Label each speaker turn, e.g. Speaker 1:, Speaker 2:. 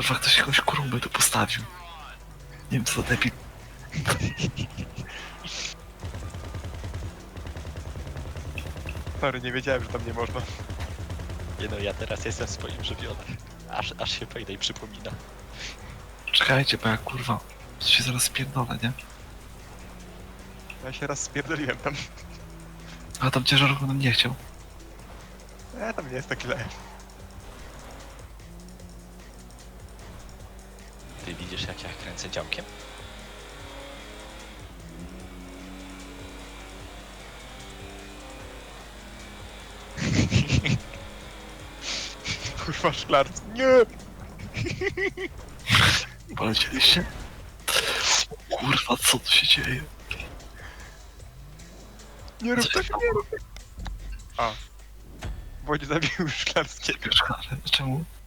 Speaker 1: Kurwa, ktoś jakąś kurumę tu postawił. Nie wiem co za debil.
Speaker 2: Sorry, nie wiedziałem, że tam nie można.
Speaker 3: Nie no, ja teraz jestem w swoim żywiole. Aż się Payday przypomina.
Speaker 1: Czekajcie, bo ja kurwa, to się zaraz spierdolę, nie?
Speaker 2: Ja się raz spierdoliłem tam.
Speaker 1: A tam ciężarówką nam nie chciał.
Speaker 2: Tam nie jest tak źle.
Speaker 3: Ty widzisz jak ja kręcę działkiem?
Speaker 2: Kurwa, szklarc. Nie!
Speaker 1: Polecieliście? Kurwa, co tu się dzieje?
Speaker 2: Nie rób
Speaker 1: Co
Speaker 2: tak,
Speaker 1: się
Speaker 2: nie rób tak. A. Wojt zabił szklarskiego.
Speaker 1: Czemu?